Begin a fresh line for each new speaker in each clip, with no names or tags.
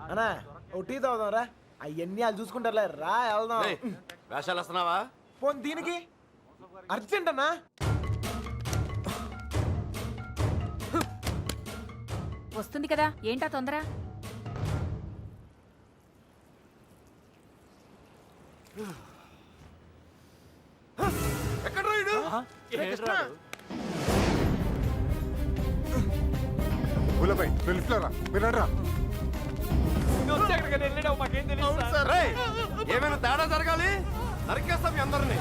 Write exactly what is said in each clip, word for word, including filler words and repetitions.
అన్నా O T తాగుదాం రా అవన్నీ వాళ్ళు చూసుకుంటారులే రా వెళ్దాం.
వేషాలు వస్తున్నావా?
పోనీ దీనికి అర్జెంట్ అన్నా.
వస్తుంది కదా, ఏంటా తొందర?
ఎక్కడ రాయుడు?
గులపై వెళ్ళిపోరా వినరా.
ఏమైనా తేడా జరగాలి నరికేస్తాం మీ అందరినీ.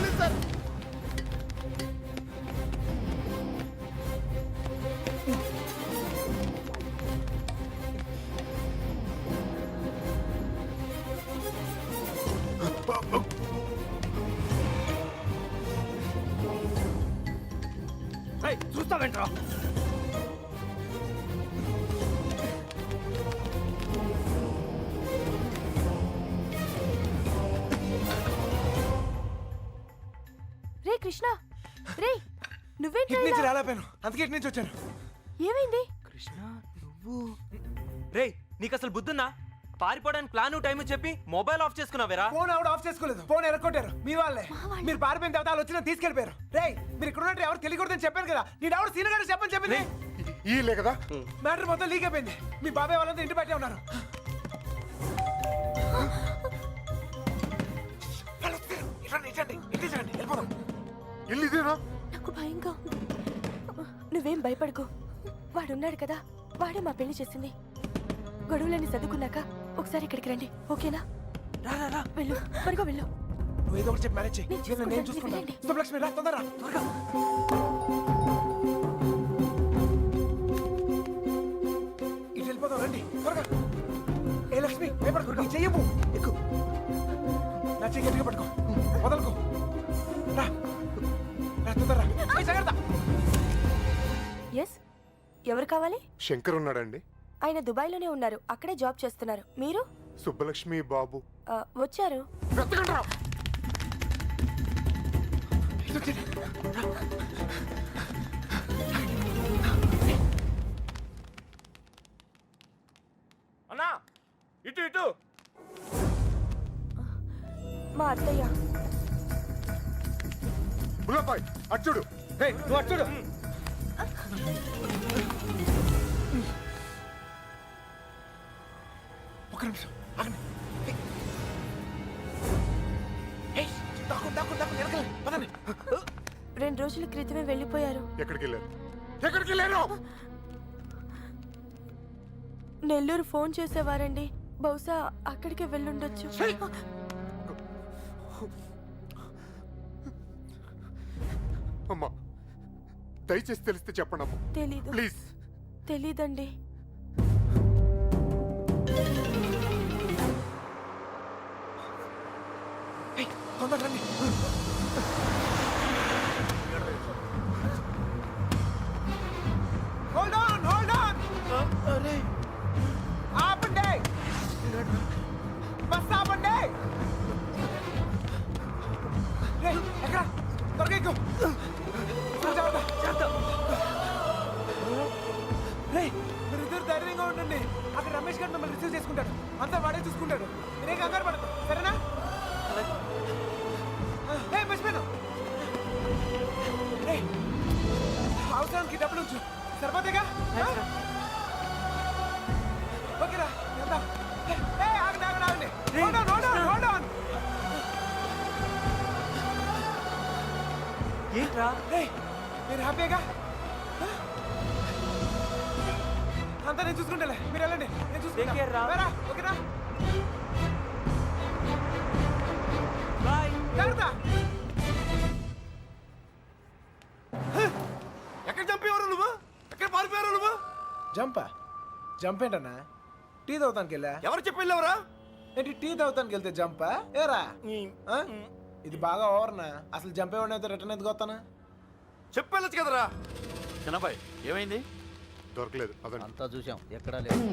చూస్తావేంట్రా?
రే కృష్ణ, రే నువ్వేంటి
ఇటు నుంచి రాలేపోయాను, అందుకే ఇటు నుంచి వచ్చాను.
ఏమైంది?
కృష్ణ నువ్వు రే నీకు అసలు బుద్ధున్నా? పారిపోవడానికి ప్లాన్ టైం చెప్పి మొబైల్ ఆఫ్ చేసుకున్నావేరా?
ఫోన్ ఆవిడ ఆఫ్ చేసుకోలేదు, ఫోన్ ఎరగొట్టారు మీ వాళ్ళే. మీరు పారిపోయిన తర్వాత వాళ్ళు వచ్చిన తీసుకెళ్లిపోయారు. రే మీరు ఇక్కడ ఉన్నట్టు ఎవరు తెలియకూడదని చెప్పాను కదా. నేను ఎవరు సీనియర్ గారు చెప్పని చెప్పింది.
ఈ లే కదా
మ్యాటర్ మొత్తం లీక్ అయిపోయింది. మీ బాబాయ్ వాళ్ళంతా ఇంటి బయటే ఉన్నారు.
ఇల్లు ఇదేనా?
నాకు భయంగా ఉంది. నువ్వేం భయపడకు, వాడున్నాడు కదా, వాడే మా పెళ్లి చేసింది. గొడవలన్నీ చదువుకున్నాక ఒకసారి ఇక్కడికి రండి, ఓకేనా?
రా రా రా
వెళ్ళు, త్వరగా వెళ్ళు.
నువ్వు ఏదో ఒకటి చెప్పి మేనేజ్ చేయి.
నేను చూసుకుంటాను,
నేను చూసుకుంటాను.
వెళ్ళండి.
శుభలక్ష్మి రా తొందరగా త్వరగా. ఇటు వెళ్ళిపోతాం రండి త్వరగా. ఏ లక్ష్మి భయపడకు, నీ చెయ్యవు ఎక్కు. నా చెయ్యి గట్టిగా పట్టుకో, వదలకు. రా రా తొందరగా. ఏ జాగ్రత్త.
ఎస్, ఎవరు కావాలి?
శంకర్ ఉన్నాడండి.
ఆయన దుబాయ్లోనే ఉన్నారు, అక్కడే జాబ్ చేస్తున్నారు. మీరు?
సుబ్బలక్ష్మి బాబు
ఆ, వచ్చారు.
వెతకండి రా.
అన్నా ఇటు ఇటు.
మా అత్తయ్య.
గులపై అచ్చుడు.
నువ్వు అట్టుడు. ఒక్క నిమిషం ఆగండి. ఏయ్, దాక్కు, దాక్కు, దాక్కు, వెనకాల, పదండి.
రెండు రోజుల క్రితమే వెళ్ళిపోయారు.
ఎక్కడికి వెళ్ళారు? ఎక్కడికి వెళ్ళారు?
నెల్లూరు ఫోన్ చేసేవారండి, బహుశా అక్కడికే వెళ్ళుండొచ్చు.
అమ్మా దయచేసి తెలిస్తే చెప్పండి అమ్మా
తెలీదు.
ప్లీజ్.
తెలీదండి.
ఏయ్, తొందరగా రండి. Hold on, hold on. ఆపండి. బస్ ఆపండి. రేయ్, ఎక్కడ? త్వరగా ఎక్కు. జాగ్రత్త. రేయ్, మీరిద్దరు ధైర్యంగా ఉండండి. అక్కడ రమేష్ గారు మిమ్మల్ని రిసీవ్ చేసుకుంటాడు. అంతా వాడే చూసుకుంటాడు. మీరే కంగారు పడదు, సరేనా? ఏయ్, మర్చిపోయాను. రేయ్, అవసరానికి డబ్బులు ఉంచు, సరిపోతేగా? ఓకేరా, వెళ్దాం. ఏయ్, ఆగండి, ఆగండి, ఆగండి. Hold on, hold on, hold on.
ఏంట్రా?
ఏయ్, మీరు హ్యాపీగా? అంతా నేను చూసుకుంటాలే, మీరు వెళ్ళండి, నేను
Take care రా.
చూసుకుంటా. ఓకేనా?
బాయ్.
జాగ్రత్త.
ఎక్కడ చంపేవారు నువ్వు? ఎక్కడ పారిపోయారు నువ్వు?
జంపా జంప్ ఏంటన్నా? టీ తాగుతానికి వెళ్ళా.
ఎవరు చెప్పి వెళ్ళావురా?
ఏంటి టీ తాగుతానికి వెళ్తే జంపా? ఏరా ఆ? ఇది బాగా ఓవర్నా. అసలు జంప్ ఏమన్నా రిటర్న్ ఎందుకు వస్తానా?
చెప్పి వెళ్ళొచ్చు కదరా.
చిన్నబాయ్ ఏమైంది?
దొరకలేదు అదండి.
అంతా చూసాం, ఎక్కడా లేదు.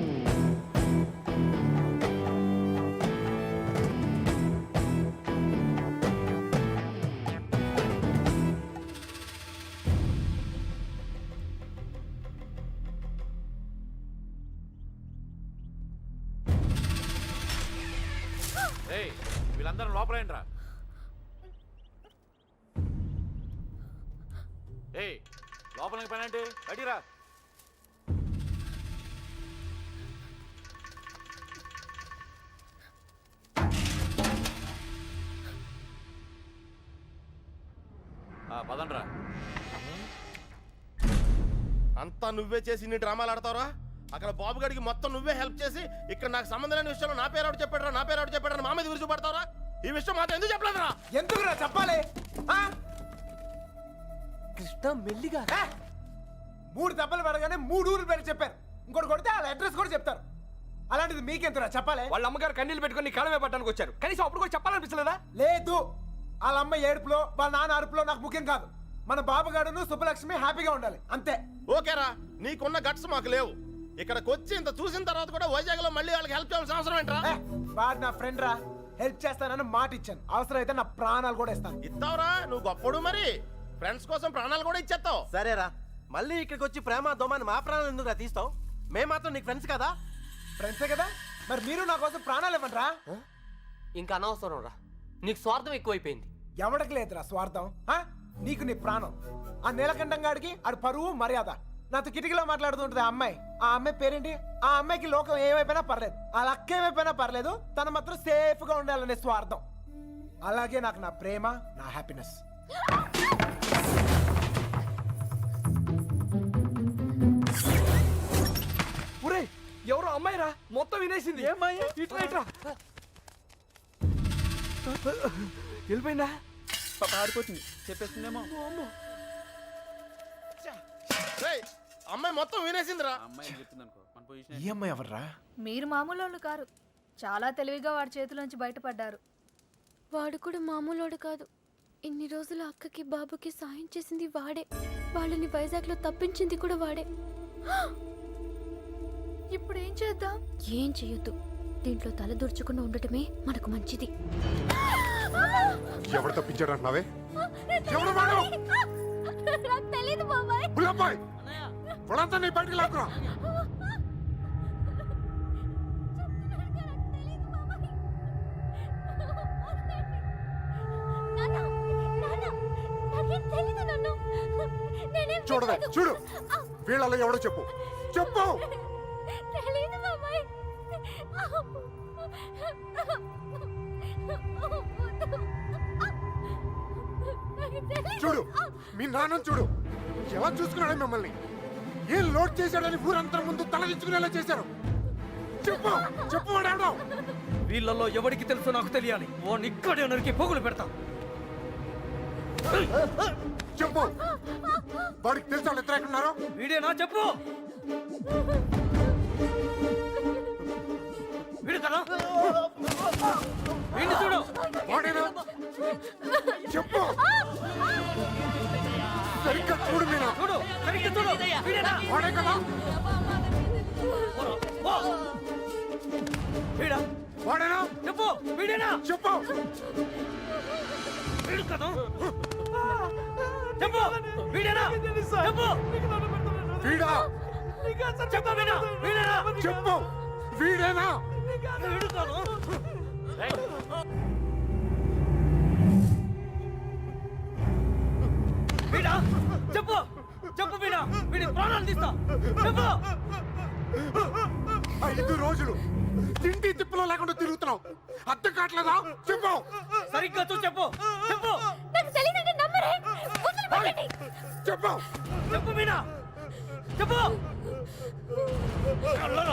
ఏయ్ వీళ్ళందరూ లోపలేంట్రా. ఏయ్ లోపలికి పని అంటే బయటికి రా. ఆ, పదండ్రా.
అంతా నువ్వే చేసి ఇన్ని డ్రామాలు ఆడతావరా? అక్కడ బాబు గడికి మొత్తం నువ్వే హెల్ప్ చేసి ఇక్కడ నాకు సంబంధం లేని విషయంలో నా పేరు ఆవిడ చెప్పాడరా నా పేరు ఆవిడ చెప్పాడని మా మీద విరుచు పడతావరా? ఈ విషయం మాత్రం ఎందుకు చెప్పలేదురా?
ఎందుకురా చెప్పాలి? ఆ?
కృష్ణ మెల్లిగా
ఏ? మూడు దెబ్బలు పడగానే మూడు ఊర్లు పేరు చెప్పారు. ఇంకోటి కొడితే వాళ్ళ అడ్రస్ కూడా చెప్తారు. అలాంటిది మీకెంతరా చెప్పాలి?
వాళ్ళ అమ్మగారు కన్నీళ్ళు పెట్టుకొని కాలమే పట్టడానికి వచ్చారు. కనీసం అప్పుడు కూడా చెప్పాలనిపించలేదా?
లేదు, వాళ్ళ అమ్మ ఏడుపులో వాళ్ళ నాన్న అరుపులో నాకు ముఖ్యం కాదు. మన బాబుగాడును సుబ్బలక్ష్మి హ్యాపీగా ఉండాలి అంతే.
ఓకేరా, నీకున్న గట్స్ మాకు లేవు. ఇక్కడికి వచ్చి ఇంత చూసిన తర్వాత కూడా వైజాగ్ లో మళ్ళీ వాళ్ళకి హెల్ప్ చేయాల్సిన అవసరం ఏంట్రా?
ఏ, వాడు నా ఫ్రెండ్ రా, హెల్ప్ చేస్తానని మాట ఇచ్చాను. అవసరం అయితే నా ప్రాణాలు కూడా ఇస్తాను.
ఇస్తావురా, నువ్వు గొప్పడు. మరి ఫ్రెండ్స్ కోసం ప్రాణాలు కూడా ఇచ్చేస్తావు.
సరేరా, మళ్ళీ ఇక్కడికి వచ్చి ప్రేమ దోమని మా ప్రాణాలు ఎందుకు తీస్తావు? మేము మాత్రం నీకు ఫ్రెండ్స్ కదా.
ఫ్రెండ్సే కదా, మరి మీరు నా కోసం ప్రాణాలు ఇవ్వండి రా.
ఇంకా అనవసరం రా, నీకు స్వార్థం ఎక్కువైపోయింది.
ఎవడికి లేదురా స్వార్థం. ఆ? నీకు నీ ప్రాణం. ఆ నీలకంఠం గాడికి ఆడు పరువు మర్యాద. నాతో కిటికీలో మాట్లాడుతుంటది ఆ అమ్మాయి. ఆ అమ్మాయి పేరేంటి? ఆ అమ్మాయికి లోకం ఏమైపోయినా పర్లేదు, ఆ లక్క ఏమైపోయినా పర్లేదు, తను మాత్రం సేఫ్ గా ఉండాలనే స్వార్థం. అలాగే నాకు నా ప్రేమ, నా హ్యాపీనెస్.
ఒరే, ఎవరో అమ్మాయి రా, మొత్తం వినేసింది. ఏమ్మాయి? ఇట్లా ఇట్లా వెళ్ళిపోయిందా? పాప ఆడిపోతుంది, చెప్పేస్తుందేమో.
రేయ్, అమ్మాయి మొత్తం వినేసిందిరా.
అమ్మాయి చెప్పింది అనుకో మన పొజిషన్.
ఈ అమ్మాయి ఎవర్రా?
మీరు మామూలు వాళ్ళు కారు. చాలా తెలివిగా వాడి చేతిలోంచి బయటపడ్డారు.
వాడు కూడా మామూలోడు కాదు. ఇన్ని రోజులు అక్కకి బాబుకి సాయం చేసింది వాడే. వాళ్ళని వైజాగ్లో తప్పించింది కూడా వాడే.
ఇప్పుడు ఏం చేద్దాం?
ఏం చెయ్యొద్దు. దీంట్లో తల దూర్చకుండా ఉండటమే మనకు మంచిది.
ఎవరు తప్పించాడు అంటున్నావే? ఎవరు వాడు?
తెలీదు బాబాయ్.
బుల్లబ్బాయ్, వాళ్ళంతా నీ బయటికి లాక్కురా. చూడవే, చూడు, వీళ్ళలో ఎవడో చెప్పు, చెప్పు. చూడు, మీ నాన్న చూడు ఎలా చూసుకున్నాడు మిమ్మల్ని. ఏం లోడ్ చేశాడని ఊరంతా ముందు తలదించుకునేలా చేశారు. చెప్పు, చెప్పు వాడు.
వీళ్ళల్లో ఎవరికి తెలుసో నాకు తెలియాలి. ఓ నిక్కడే నరికి పోగులు పెడతా.
చెప్పు, వాడికి తెలుసు వాళ్ళు ఇద్దరు ఎక్కడున్నారో.
వీడేనా? చెప్పు. వీడు కదా, వీడిని చూడు.
వాడేనా? చెప్పు, సరిగ్గా చూడు మీనా.
చూడు, సరిగ్గా చూడు. వీడేనా?
వాడే కదా.
ఓ! వీడా?
వాడేనా?
చెప్పు, వీడేనా?
చెప్పు.
వీడు కదా. చెప్పు, వీడేనా? చెప్పు.
వీడా?
చెప్పు, వీడా? వీడేనా?
చెప్పు, వీడేనా?
వీడు కాదు. వీడా? చెప్పు, చెప్పు వీడా. వీడి ప్రాణాలు తీస్తా. చెప్పు.
ఐదు రోజులు తిండి తిప్పలో లేకుండా తిరుగుతున్నావు, అర్థం కావట్లేదా? చెప్పు,
సరిగ్గా చూ. చెప్పు, చెప్పు.
చెప్పు.
చెప్పు వీడా. చెప్పు. కళ్ళలో.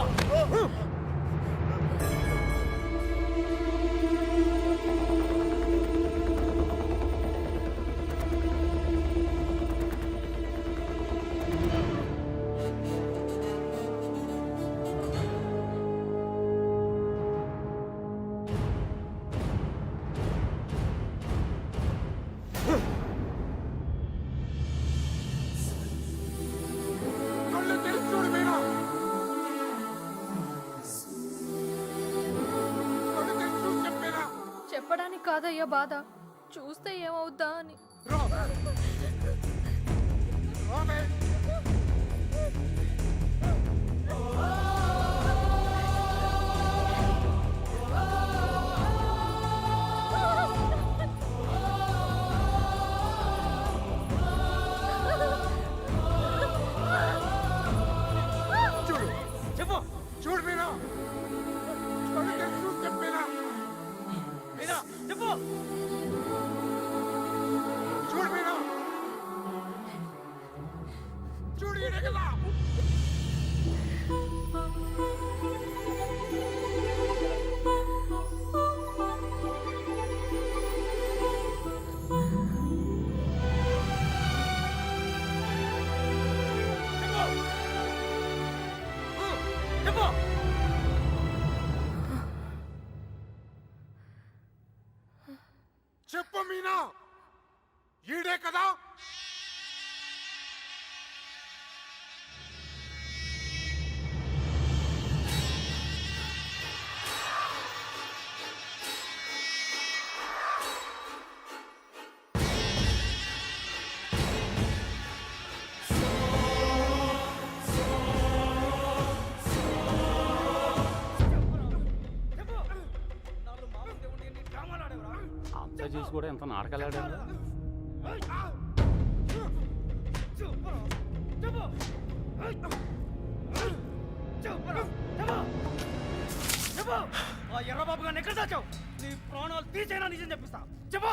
కళ్ళు తెరిచి చూడు మీనా. కళ్ళు తెరిచి చూడు చెప్పేనా.
చెప్పడానికి కాదయ్యా బాధ, చూస్తే ఏమవుద్దా అని.
రా. రావే. చూడు మీనా కళ్ళు తెరిచి చూసి చెప్పు మీనా
చెప్పు
చూడు మీనా చూడు ఈడే కదా
చెప్పు
చెప్పు మీనా ఈడే కదా
అంత చేసి కూడా ఎంత నాటకాలు ఆడారు
ఆ ఎర్రబాబు గారిని ఎక్కడ దాచావు నీ ప్రాణాలు తీసేనా నిజం చెప్పిస్తా చెప్పు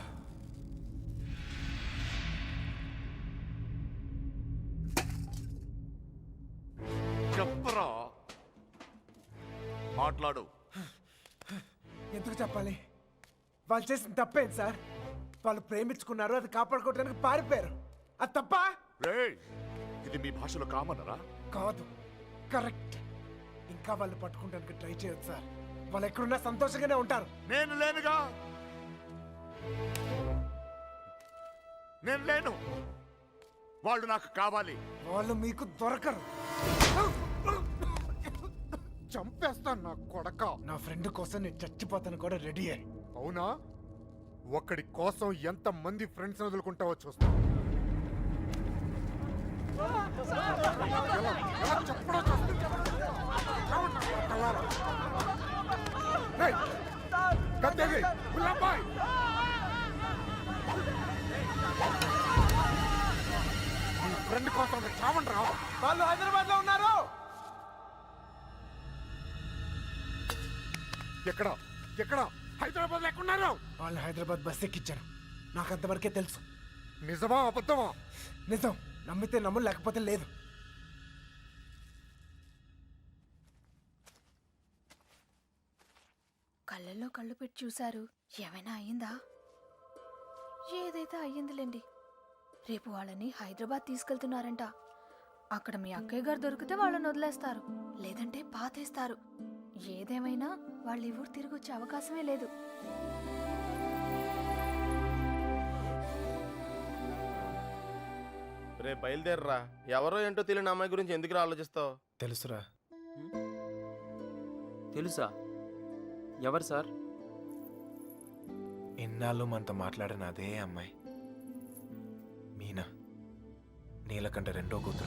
చెప్పరా మాట్లాడు.
ఎందుకు చెప్పాలి? వాళ్ళు చేసిన తప్పేంటి సార్? వాళ్ళు ప్రేమించుకున్నారు, అది కాపాడుకోవడానికి పారిపోయారు. అది తప్ప
రేయ్, ఇది మీ భాషలో కామనరా?
కాదు, కరెక్ట్. ఇంకా వాళ్ళు పట్టుకోవడానికి ట్రై చేయొచ్చు సార్. వాళ్ళు ఎక్కడున్నా సంతోషంగానే ఉంటారు.
నేను లేనుగా, నేను లేను. వాళ్ళు నాకు కావాలి.
వాళ్ళు మీకు దొరకరు.
చంపేస్తాను నా కొడక.
నా ఫ్రెండ్ కోసం నేను చచ్చిపోతాను కూడా రెడీ అయ్యి.
అవునా? ఒక్కడి కోసం ఎంత మంది ఫ్రెండ్స్ వదులుకుంటావో చూస్తా. ఎలా- ఎలా చెప్పడో చూస్తా. చావండి నా కొడకల్లారా. రేయ్, కత్తెది, గులాబాయ్. నీ ఫ్రెండ్ కోసం చావండి రా.
వాళ్ళు హైదరాబాద్ లో ఉన్నారు.
ఎక్కడ ఎక్కడ హైదరాబాద్ లేకున్నారు?
వాళ్ళు హైదరాబాద్ బస్ ఎక్కించారు. నాకు అంతవరకే తెలుసు.
నిజమా అబద్ధమా?
నిజం. నమ్మితే నమ్ము, లేకపోతే లేదు.
కళ్ళల్లో కళ్ళు పెట్టి చూశారు. ఏమైనా అయ్యిందా? ఏదైతే అయ్యిందిలేండి. రేపు వాళ్ళని హైదరాబాద్ తీసుకెళ్తున్నారంట. అక్కడ మీ అక్కయ్య గారు దొరికితే వాళ్ళని వదిలేస్తారు, లేదంటే పాతేస్తారు. ఏదేమైనా వాళ్ళు ఈ ఊరు తిరిగి వచ్చే అవకాశమే లేదు.
రే బయలుదేరరా. ఎవరో ఏంటో తెలియని అమ్మాయి గురించి ఎందుకు ఆలోచిస్తావు?
తెలుసురా.
తెలుసా? ఎవరు సార్?
ఎన్నాళ్ళు మనతో మాట్లాడిన అదే అమ్మాయి, మీనా. నీలకంఠ రెండో కూతురు.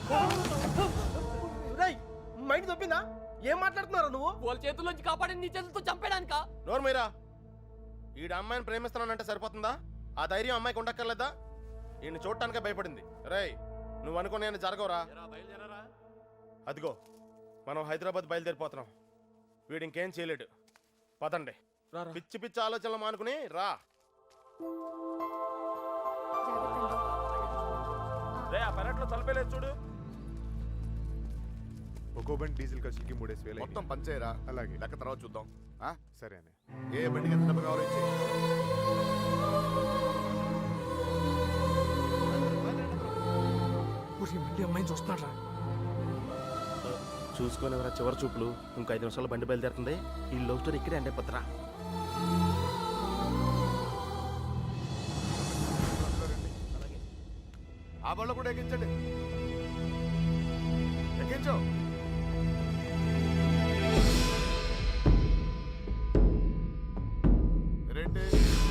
మైండ్ తప్పిందా? ఏం మాట్లాడుతున్నారా నువ్వు?
వాళ్ళ చేతుల్లోంచి కాపాడి నీ చేతులతో చంపేయడానికా?
నోరు మీరా. ఈడ అమ్మాయిని ప్రేమిస్తున్నానంటే సరిపోతుందా? ఆ ధైర్యం అమ్మాయికి ఉండక్కర్లేదా? ఈయన చూడటానికే భయపడింది. రేయ్, నువ్వు అనుకుని నేను జరగవురా.
బయలుదేరారా?
అదిగో మనం హైదరాబాద్ బయలుదేరిపోతున్నాం. వీడు ఇంకేం చేయలేడు. పదండి. పిచ్చి పిచ్చి ఆలోచనలు మానుకుని రా. రే, ఆ పెరట్లో తలపేలేదు చూడు.
ఒక్కో బండి డీజిల్ ఖర్చులకి మూడేసి వేలు
మొత్తం పంచేయరా.
అలాగే.
లెక్క తర్వాత చూద్దాం. ఆ?
సరే అని
ఏ బండికి ఎంత డబ్బు కావాలో ఇచ్చేయ్.
మళ్ళీ అమ్మాయిని చూస్తున్నాడు.
చూసుకొని ఎవరా చివరి చూపులు. ఇంకో ఐదు నిమిషాలు బండి బయలుదేరుతుంది. ఈ లవ్ స్టోరీ ఇక్కడే అంటే పత్రా.
ఆ బళ్ళు కూడా ఎక్కించండి. ఎక్కించు. రేంటి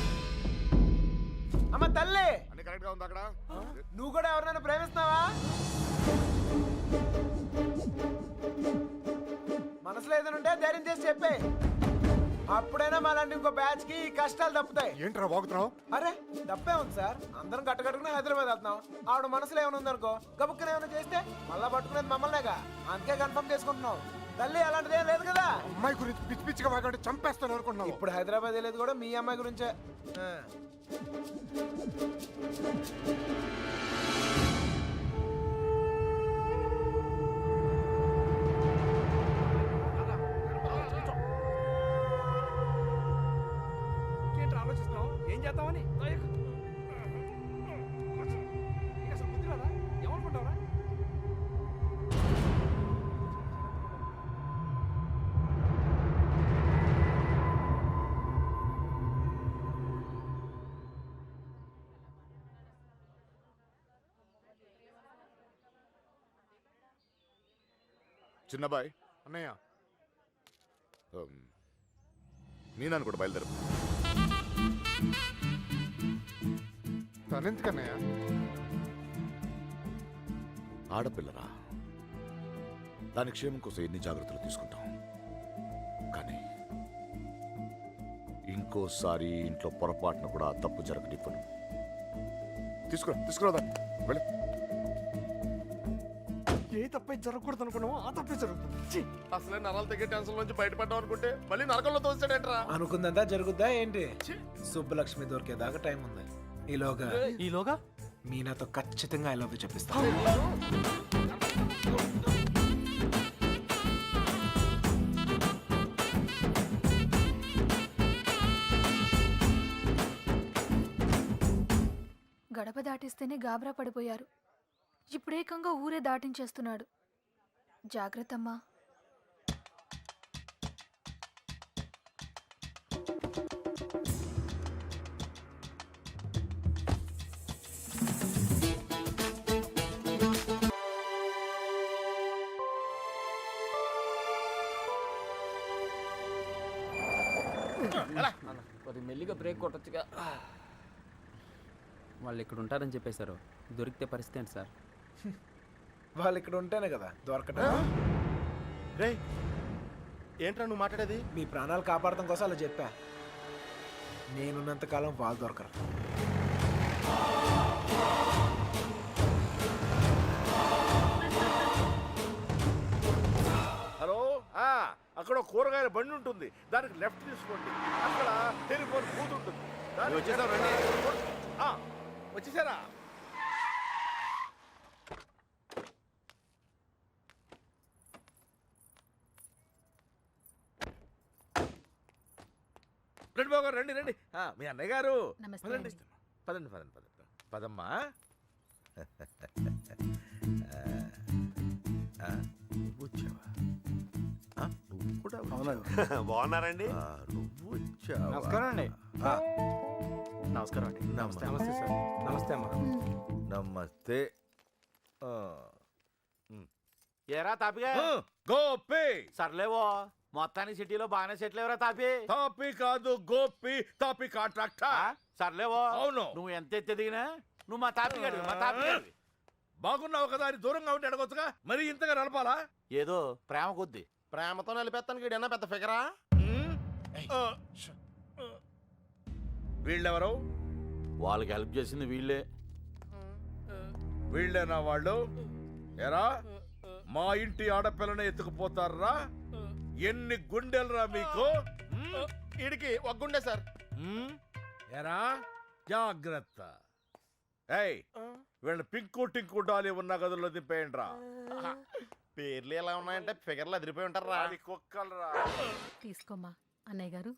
అమ్మ తల్లి,
అన్ని కరెక్ట్ గా ఉంది అక్కడ?
నువ్వు కూడా ఎవరినైనా ప్రేమిస్తున్నావా? మనసులో ఏదైనా ఉంటే ధైర్యం చేసి చెప్పే. అప్పుడైనా మాలాంటి ఇంకో బ్యాచ్ కి ఈ కష్టాలు తప్పుతాయి.
ఏంట్రా వాగుతున్నావు?
అరే తప్పే ఉంది సార్. అందరం కట్టకట్టుకుని హైదరాబాద్ వెళ్తున్నాం. ఆవిడ మనసులో ఏమైనా ఉందనుకో, గబుక్కన ఏమైనా చేస్తే మళ్ళా పట్టుకునేది మమ్మల్నేగా. అందుకే కన్ఫర్మ్ చేసుకుంటున్నాం. తల్లి అలాంటిదేం లేదు కదా.
అమ్మాయి గురించి పిచ్చి పిచ్చిగా వాగంటే చంపేస్తాను అనుకుంటున్నావు.
ఇప్పుడు హైదరాబాద్ వెళ్ళేది కూడా మీ అమ్మాయి గురించే. ఆ. ఏంటి ఆలోచిస్తున్నావు? ఏం చేద్దామని అసలు బుద్ధి రాదా? ఏమనుకుంటావురా?
చిన్నబాయ్
అన్నయ్య
మీనాన్ని కూడా బయలుదేరు.
తనెందుకన్నయ్య?
ఆడపిల్లరా, దాని క్షేమం కోసం ఎన్ని జాగ్రత్తలు తీసుకుంటాం, కానీ ఇంకోసారి ఇంట్లో పొరపాటున కూడా ఆ తప్పు జరగనివ్వను. తీసుకురా తీసుకురాదా వెళ్ళి.
ఏ తప్పే జరగకూడదు అనుకున్నావో ఆ తప్పే జరుగుతుంది.
అసలే నరాలు తగ్గే టెన్షన్ నుంచి బయటపడ్డాం అనుకుంటే మళ్ళీ నరకంలో తోస్తాడేంట్రా.
అనుకుందంతా జరుగుద్దా ఏంటి? సుబ్బలక్ష్మి దొరికేదాకా టైం ఉంది. ఈలోగా
ఈలోగా
మీనాతో ఖచ్చితంగా ఐ లవ్ యూ చెప్పిస్తా.
గడప దాటిస్తేనే గాబరా పడిపోయారు. ఇప్పుడేకంగా ఊరే దాటించేస్తున్నాడు. జాగ్రత్తమ్మా.
కొద్ది మెల్లిగా బ్రేక్ కొట్టొచ్చుగా. వాళ్ళు ఇక్కడ ఉంటారని చెప్పేశారు. దొరికితే పరిస్థితి ఏంటి సార్?
వాళ్ళు ఇక్కడ ఉంటేనే కదా దొరకటం.
రే ఏంట్రా నువ్వు మాట్లాడేది?
మీ ప్రాణాలు కాపాడటం కోసం అలా చెప్పా. నేనున్నంత కాలం వాళ్ళు దొరకరు.
హలో, అక్కడ కూరగాయల బండి ఉంటుంది, దానికి లెఫ్ట్ తీసుకోండి. అక్కడ టెలిఫోన్ బూత్ ఉంటుంది. వచ్చేసారా? రండి బాబు గారు, రండి రండి. ఆ, మీ అన్నయ్య గారు
నమస్తే
పదండి పదండి పదండి పదండి పదమ్మా. ఆ, నువ్వు వచ్చావా? ఆ, నువ్వు కూడా వచ్చావా?
బాగున్నారండి?
ఆ, నువ్వు వచ్చావా?
నమస్కారం అండి.
ఆ,
నమస్కారం అండి.
నమస్తే.
నమస్తే సార్. నమస్తే అమ్మా.
నమస్తే. ఆ,
ఏరా తాపిగా?
ఆ, గోపి
సర్లేవో మొత్తానికి సిటీలో బాగానే సెటిల్ ఎవరా తాపి?
తాపి కాదు గోపి, తాపి
ఆ?
కాంట్రాక్టర్.
సర్లేవో
అవును.
నువ్వు ఎంత ఎత్తి ఎదిగినా నువ్వు మా తాపి గడివి మా తాపి గడివి.
బాగున్నావు కదా అని దూరంగా ఉంటే అడగొచ్చుగా, మరి ఇంతగా నడపాలా?
ఏదో ప్రేమ కొద్ది.
ప్రేమతో నిలిపేస్తానికి వీడన్నా పెద్ద ఫిగరా?
ఆ, వీళ్ళెవరు?
వాళ్ళకి హెల్ప్ చేసింది వీళ్ళే.
వీళ్ళేనా వాళ్ళు? ఎరా, మా ఇంటి ఆడపిల్లని ఎత్తుకుపోతారా? ఎన్ని గుండెలరా మీకు?
వీడికి ఒక గుండె సార్.
ఉమ్,
ఎరా, జాగ్రత్త. ఏయ్, వీళ్ళ పింకు టింకు డాలి ఉన్న గదుల్లో దింపేయండి రా.
పేర్లు ఎలా ఉన్నాయంటే ఫిగర్లు అదిరిపోయి ఉంటారా?
కుక్కలరా.
తీసుకోమ్మా అన్నయ్య గారు.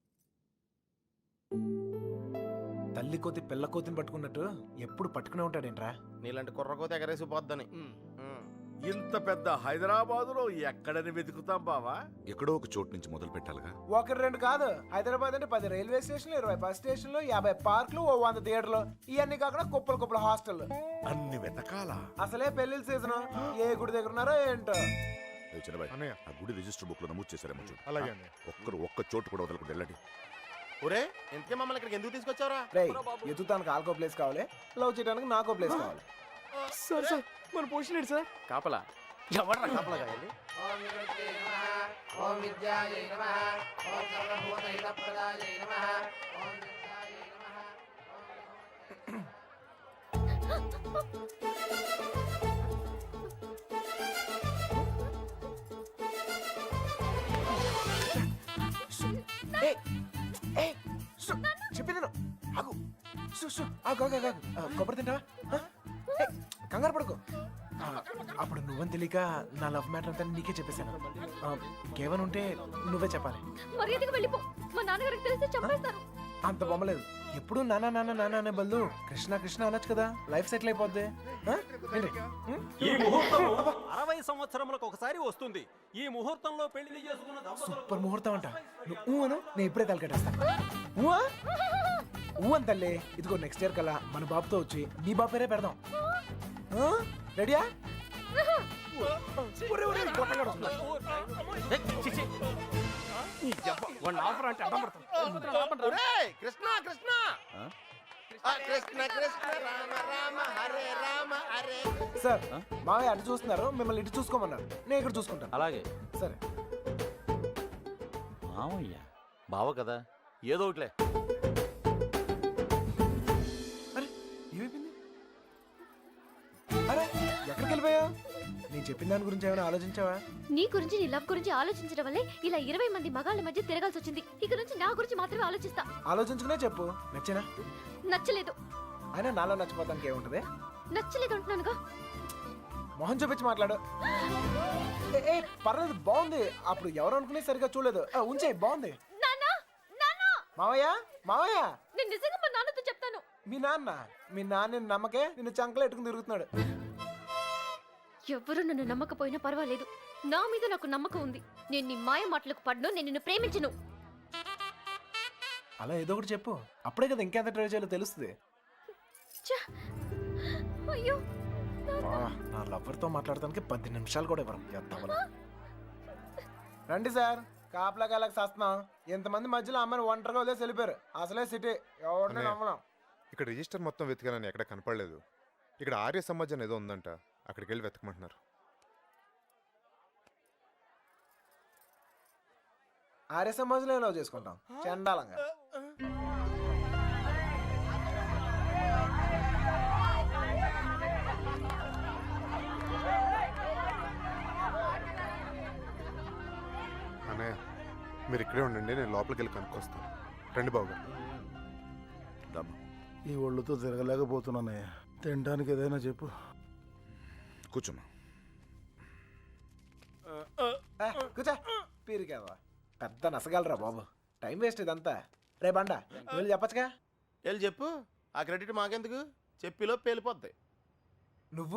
తల్లి కోతి పిల్ల కోతిని పట్టుకున్నట్టు ఎప్పుడు పట్టుకునే ఉంటాడేంట్రా?
నీలాంటి కుర్రకోత ఎగరేసి పోద్దని.
ఇంత పెద్ద హైదరాబాదులో ఎక్కడని వెతుకుతాం బావా?
ఎక్కడో ఒక చోటు నుంచి మొదలు పెట్టాలిగా.
ఒకటి రెండు కాదు, హైదరాబాద్ అంటే పది రైల్వే స్టేషన్లు, ఇరవై బస్ స్టేషన్లు, యాభై పార్కులు, ఓ వంద థియేటర్లు, ఇవన్నీ కాకుండా కుప్పలు కుప్పల హాస్టల్.
అన్ని వెతకాలా?
అసలే పెళ్లిళ్ళ సీజన్. ఏ గుడి దగ్గర ఉన్నారో ఏంటో.
ఏ చిన్నబాయ్,
అన్నయ్య.
ఆ గుడి రిజిస్టర్ బుక్ లో నమోదు చేశారేమో చూడు.
అలాగే అన్నయ్య.
ఒక్కరు ఒక్క చోటు కూడా వదలకుండా వెళ్ళండి.
ఒరే ఇంతకీ మమ్మల్ని ఇక్కడికి ఎందుకు తీసుకొచ్చావురా?
రేయ్, ఎత్తుతానికి ఆల్కో ప్లేస్ కావాలి, లవ్ చేయడానికి నాకో ప్లేస్ కావాలి. సార్ సార్ మన పొజిషన్ ఏంటి సార్?
కాపలా
ఎవర్రా కప్పలా కాయాలి?
ఏయ్, ఏయ్, సు, చెప్పింది విను. ఆగు సు, సు, ఆగు, ఆగు, ఆగు, ఆగు. ఆ, కొబ్బరి తింటావా ఆ? ఏయ్, కంగారు పడుకో ఆ, అప్పుడు నువ్వని తెలియక నా లవ్ మ్యాటర్ అంతా నీకే చెప్పేశాను ఆ, కేవలం ఉంటే నువ్వే చెప్పాలి.
మర్యాదగా వెళ్ళిపో మా నాన్నగారికి తెలిస్తే చంపేస్తారు.
అంత బొమ్మలేదు. ఎప్పుడు నాన్న నాన్న నాన్న అనే బదులు కృష్ణ కృష్ణ అనొచ్చు కదా, లైఫ్ సెటిల్ అయిపోద్ది. ఆ? ఏంటి? ఉం?
ఈ ముహూర్తం అరవై సంవత్సరములకు ఒకసారి వస్తుంది. ఈ ముహూర్తంలో పెళ్లి చేసుకున్న దంపతులకు
సూపర్ ముహూర్తం అంట. నువ్వు ఊ అను, నేను ఇప్పుడే తలకెట్టేస్తాను. ఊ ఊ అని తల్లి. ఇదిగో నెక్స్ట్ ఇయర్ కల్లా మన బాబుతో వచ్చి నీ బాబు పేరే పెడదాం. ఆ? రెడీయా? ఒరే, ఒరే, గొట్టంగాడు వస్తున్నాడు.
ఒరేయ్, కృష్ణ కృష్ణ ఆ, కృష్ణ కృష్ణ రామ రామ హరే రామ హరే
సార్ మావయ్య అటు చూస్తున్నారు, మిమ్మల్ని ఇటు చూసుకోమన్నారు. నేను ఇక్కడ చూసుకుంటాను.
అలాగే
సరే.
మామయ్య బావ కదా, ఏదో ఒకటిలే.
అరే ఏమైపోయింది? అరే ఎక్కడికి వెళ్ళిపోయావు? నేను చెప్పిన దాని గురించి ఏమైనా ఆలోచించావా?
నీ గురించి నీ లవ్ గురించి ఆలోచించడం వల్లే ఇలా ఇరవై మంది మగాళ్ళ మధ్య తిరగాల్సి వచ్చింది. ఇక నుంచి నా గురించి మాత్రమే ఆలోచిస్తా.
ఆలోచించుకునే చెప్పు. నచ్చేనా?
నచ్చలేదు.
అయినా నాలో నచ్చిపోతానికి ఏముంటది?
నచ్చలేదు అంటున్నానుగా.
మొహం చూపించి మాట్లాడు. ఏ, ఏ, పర్లేదు, బాగుంది. అప్పుడు ఎవరు అనుకునే సరిగా చూడలేదు. ఆ, ఉంచే, బాగుంది.
నాన్నా నాన్నా
మావయ్య మావయ్య
నేను నిజంగా మా నాన్నతో చెప్తాను.
మీ నాన్న మీ నాన్న నమ్మకే నిన్ను చంకలో ఎట్టుకుని తిరుగుతున్నాడు.
ఎవ్వరూ నన్ను నమ్మకపోయినా పర్వాలేదు. నా మీద నాకు నమ్మకం ఉంది. నేను నీ మాయ మాటలకు పడ్ను. నేను నిన్ను ప్రేమించను.
అలా ఏదో ఒకటి చెప్పు. అప్పుడే కదా ఇంకెంత ట్రై చేయాలో తెలుస్తుంది.
ఛ! అయ్యో
వా, నా లవర్తో మాట్లాడటానికి పది నిమిషాలు కూడా ఇవ్వరు. ఎత్తవలు. రండి సార్, కాపలా కాలకు సస్తున్నాం. ఇంతమంది మధ్యలో అమ్మాయిని ఒంటరిగా వదిలేసి వెళ్ళిపోయారు. అసలే సిటీ, ఎవరిని నమ్మలేం.
ఇక్కడ రిజిస్టర్ మొత్తం వెతికానని ఎక్కడ కనపడలేదు. ఇక్కడ ఆర్య సమాజం ఏదో ఉందంట, అక్కడికి వెళ్ళి వెతకమంటున్నారు.
ఆర్య సమాజంలో లవ్ చేసుకుంటాం చండాలంగా.
అన్నయ్య మీరు ఇక్కడే ఉండండి, నేను లోపలికి వెళ్ళి కనుక్కొస్తాను. రండి బాబు గారు.
రామ్మా.
ఈ ఒళ్ళుతో తిరగలేకపోతున్నానయ్య, తినడానికి ఏదైనా చెప్పు.
కూర్చోమ్మా.
ఆ, కూర్చో. పీరికేవా పెద్ద నసగలరా బాబు. టైం వేస్ట్ ఇదంతా. రే బండ, వెళ్ళి చెప్పచ్చుగా.
వెళ్ళి చెప్పు. ఆ క్రెడిట్ మాకెందుకు? చెప్పిలో పేలిపోద్ది.
నువ్వు